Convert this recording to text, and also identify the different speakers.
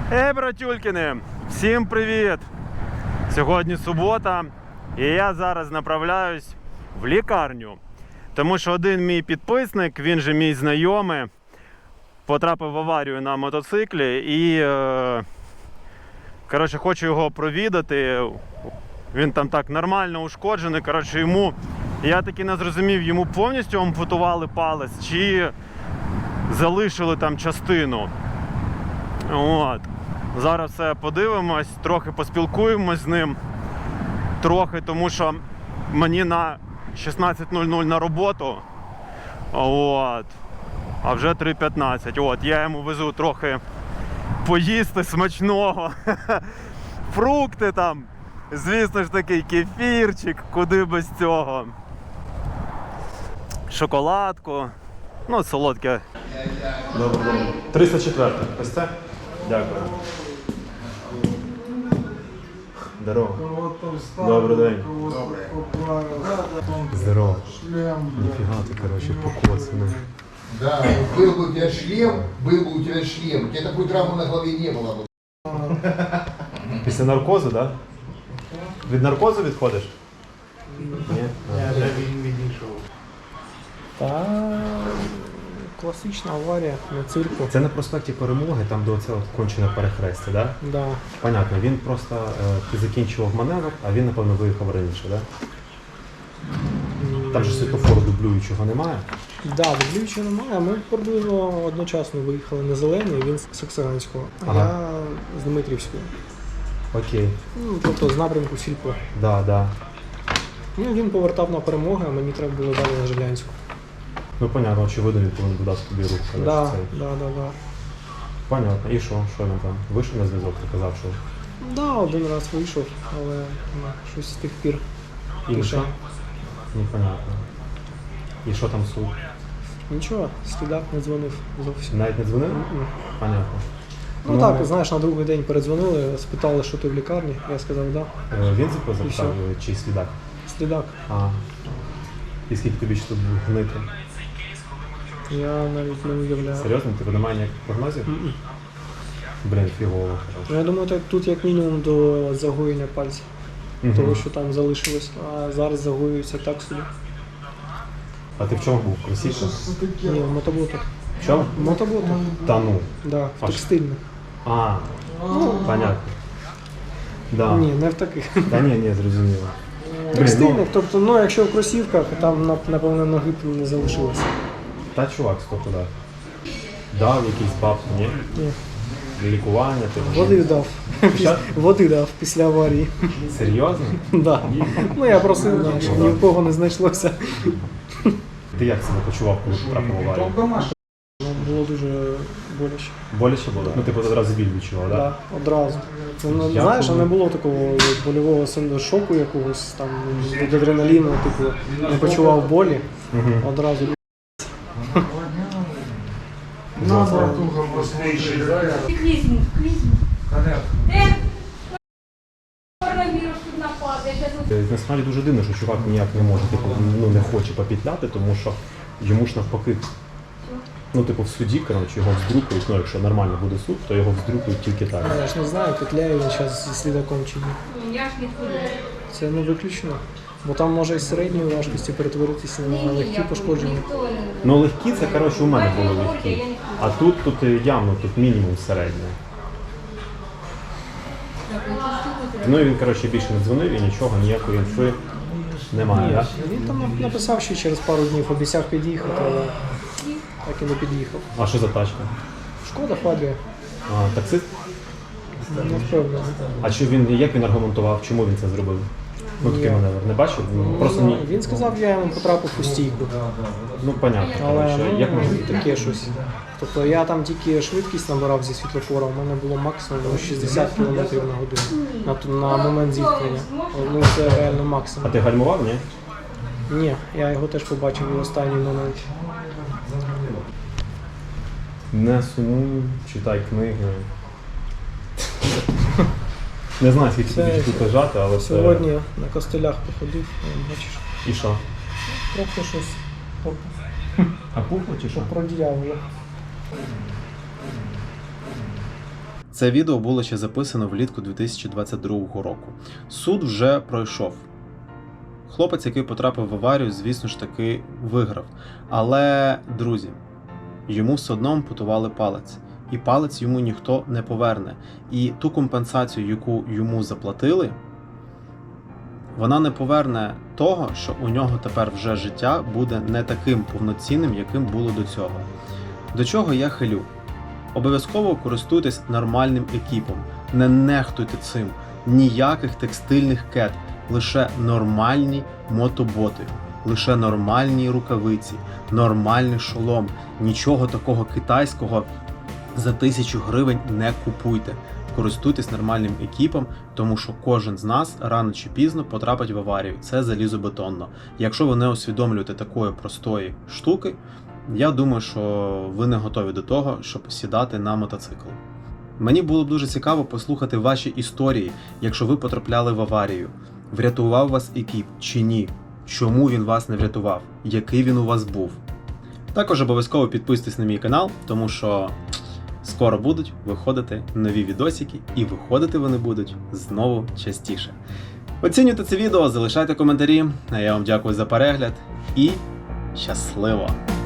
Speaker 1: Братюлькини, всім привіт! Сьогодні субота і я зараз направляюсь в лікарню. Тому що один мій підписник, він же мій знайомий, потрапив в аварію на мотоциклі і коротше, хочу його провідати. Він там так нормально ушкоджений. Коротше, йому, я таки не зрозумів, йому повністю ампутували палець чи залишили там частину. От. Зараз все подивимось, трохи поспілкуємось з ним. Трохи, тому що мені на 16:00 на роботу. От. А вже 3:15. От, я йому везу трохи поїсти смачного. Фрукти там. Звісно ж такий кефірчик, куди без цього. Шоколадку. Ну, солодке. Добрий день. 304. Ось це? Дякую. Здорово. Добрий день. Здорово. Ніфіга ти, коротше, покоцаний.
Speaker 2: Да, был бы у тебя шлем, у тебя такой травмы на голове не было бы.
Speaker 1: Після наркозу, так? Да? Від наркозу відходиш? Ні?
Speaker 3: Та класична аварія на цирку.
Speaker 1: Це на проспекті Перемоги, там де оце от кончене перехрестя, так? Да?
Speaker 3: Да.
Speaker 1: Понятно, він просто закінчував маневр, а він, напевно, виїхав раніше, так? Да? Там же світлофору дублюючого немає?
Speaker 3: Да, дублюючого немає. Ми приблизно одночасно виїхали на Зелений, він з Саксаганського, а я з Дмитрівського.
Speaker 1: Окей.
Speaker 3: Ну, тобто з напрямку Сільпо.
Speaker 1: Да, да.
Speaker 3: Ну, він повертав на Перемоги, а мені треба було далі на Жилянську.
Speaker 1: Ну, понятно, очевидно, він повинен додати тобі рух.
Speaker 3: Да.
Speaker 1: Понятно. І що? Що він там? Вийшов на зв'язок, ти казав, що?
Speaker 3: Да, один раз вийшов, але щось з тих пір.
Speaker 1: І що? Непонятно. І що там суд?
Speaker 3: Нічого, слідак не дзвонив зовсім.
Speaker 1: Навіть не дзвонив? Понятно.
Speaker 3: Ну так, знаєш, на другий день передзвонили, спитали, що ти в лікарні. Я сказав, да.
Speaker 1: Він записав чи слідак?
Speaker 3: Слідак.
Speaker 1: А. І скільки тобі ще тут буде гнити?
Speaker 3: Я навіть не уявляю.
Speaker 1: Серйозно? Тебе немає ніяких прогнозів? Блін, фігово.
Speaker 3: Ну, я думаю, тут як мінімум до загоєння пальця. Того, що там залишилось. А зараз загоюється так собі.
Speaker 1: А ти в чому був? Кросівка?
Speaker 3: Ні, в мотоботах.
Speaker 1: В чому?
Speaker 3: В мотоботах?
Speaker 1: Та ну.
Speaker 3: Да, в текстильних.
Speaker 1: А, понятно. Да.
Speaker 3: Ні, не в таких.
Speaker 1: Та ні, зрозуміло.
Speaker 3: Текстильних, тобто, ну якщо в кросівках, там, напевно, ноги не залишилося.
Speaker 1: Та чувак, стопу дав. Дав якийсь баб, ні?
Speaker 3: Ні.
Speaker 1: Лікування, ти
Speaker 3: Води дав. Води дав після аварії.
Speaker 1: Серйозно?
Speaker 3: Да. Ну я просив, ні в кого не знайшлося.
Speaker 1: Ти як себе почував, коли потрапив в аварію?
Speaker 3: Ну, було дуже боляче.
Speaker 1: Боляче було? Ну, типу, одразу біль відчував, так?
Speaker 3: Так, одразу. Ну, знаєш, не було такого больового шоку якогось, там, від адреналіну, типу, не почував болі, одразу.
Speaker 2: На, братуха, послушай, да, я...
Speaker 4: Клизму. Коронавірус тут напав.
Speaker 1: Насправді дуже дивно, що чувак ніяк не може, типу, ну, не хоче попітляти, тому що йому ж навпаки, ну, типу, в суді, коротше, його вздрюкують, ну, якщо нормально буде суд, то його вздрюкують тільки так.
Speaker 3: Я ж не знаю, петляє він зараз зі слідаком чи ні.
Speaker 4: Я ж не худо.
Speaker 3: Це не виключено. Бо там може із середньої важкості перетворитися на легкі пошкодження.
Speaker 1: Ну, легкі, це, коротше, у мене були легкі. А тут явно, тут мінімум середнє. Ну, і він, коротше, більше не дзвонив і нічого, ніякої інфи немає, так?
Speaker 3: Він там написав, що через пару днів обіцяв під'їхати, але так і не під'їхав.
Speaker 1: А що за тачка?
Speaker 3: Шкода Фабія.
Speaker 1: А, таксист?
Speaker 3: Не впевнений.
Speaker 1: А як він аргументував, чому він це зробив? Ну, такий маневр не бачив? Просто ні.
Speaker 3: Він сказав, я йому потрапив у стійку.
Speaker 1: Ну, понятно,
Speaker 3: Але
Speaker 1: коротше, як може бути?
Speaker 3: таке щось. Тобто я там тільки швидкість набирав зі світлофора, у мене було максимум 60 км на годину на момент зіткнення. Ну це реально
Speaker 1: А
Speaker 3: максимум.
Speaker 1: ти гальмував, ні?
Speaker 3: Ні, я його теж побачив в останній момент.
Speaker 1: Не сумуй, читай книги. Не знаю, скільки тобі тут лежати, але
Speaker 3: сьогодні на костелях походив, бачиш.
Speaker 1: І що?
Speaker 3: Трохи щось
Speaker 1: А пухло чи що?
Speaker 3: продіяв вже.
Speaker 5: Це відео було ще записано влітку 2022 року. Суд вже пройшов. Хлопець, який потрапив в аварію, звісно ж таки виграв. Але, друзі, йому все одно ампутували палець. І палець йому ніхто не поверне. І ту компенсацію, яку йому заплатили, вона не поверне того, що у нього тепер вже життя буде не таким повноцінним, яким було до цього. До чого я хилю? Обов'язково користуйтесь нормальним екіпом. Не нехтуйте цим. Ніяких текстильних кет. Лише нормальні мотоботи. Лише нормальні рукавиці. Нормальний шолом. Нічого такого китайського за 1000 гривень не купуйте. Користуйтесь нормальним екіпом, тому що кожен з нас рано чи пізно потрапить в аварію. Це залізобетонно. Якщо ви не усвідомлюєте такої простої штуки, я думаю, що ви не готові до того, щоб сідати на мотоцикл. Мені було б дуже цікаво послухати ваші історії, якщо ви потрапляли в аварію. Врятував вас екіп чи ні? Чому він вас не врятував? Який він у вас був? Також обов'язково підписуйтесь на мій канал, тому що скоро будуть виходити нові відосики, і виходити вони будуть знову частіше. Оцінюйте це відео, залишайте коментарі, а я вам дякую за перегляд і щасливо!